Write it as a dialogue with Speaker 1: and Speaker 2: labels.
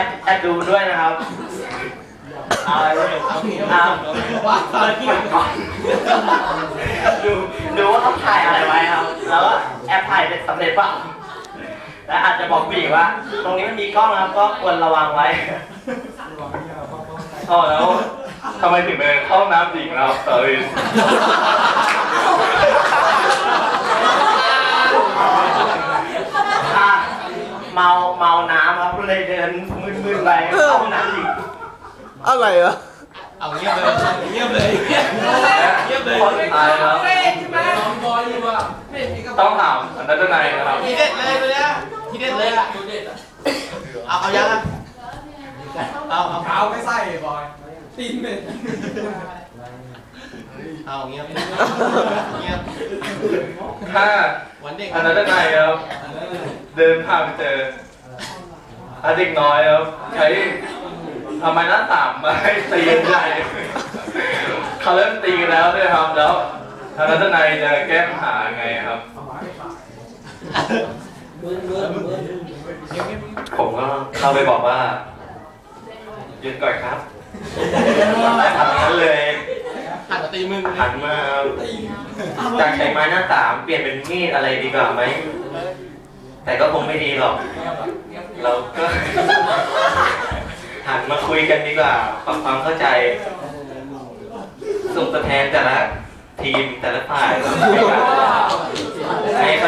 Speaker 1: บดูด้วยนะครับดูว่าเขาถ่ายอะไรไว้ครับแล้วก็แอบถ่ายเป็นสำเร็จป่ะและอาจจะบอกผู้หญิงว่าตรงนี้มันมีกล้องนะครับก็ควรระวังไว้
Speaker 2: แล้วทำไมถึงไปเข้าน้ำหญิงเราสอรี่
Speaker 1: เมาน้ำครับเลยเดินมึนๆไปเข้าน้ำหญิง
Speaker 3: อะไรอ่ะ
Speaker 4: เอาเงียบเลยเงียบเลย
Speaker 2: คนตายแล้วต้องถามอันนั้นจะไหนนะครับ
Speaker 4: ทีเด็ดเลยไปเลยทีเด็ดเลยอ่ะเอายังอ่ะเอา
Speaker 5: เท้าไม่ใส่บอยตีนเป็น
Speaker 4: เอาเงียบ
Speaker 2: ถ้าอันนั้นจะไหนครับเดินผ่านไปเจอเด็กน้อยครับใช้ทำไมหน้าต่างมาให้ตีกันใหญ่เขาเริ่มตีกันแล้วด้วยครับแล้วทางนัทนายจะแก้ปัญหาไงครับผมก็เข้าไปบอกว่าหยุดก่อนครับทำนั้นเลย
Speaker 4: หันมาตีมึง
Speaker 2: หันมาจากใช้ไม้หน้าต่างเปลี่ยนเป็นมีดอะไรดีกว่าไหมแต่ก็คงไม่ดีหรอกเราก็หันมาคุยกันดีกว่าปรับความเข้าใจส่งตัวแทนแต่ละทีมแต่ละฝ่ายให้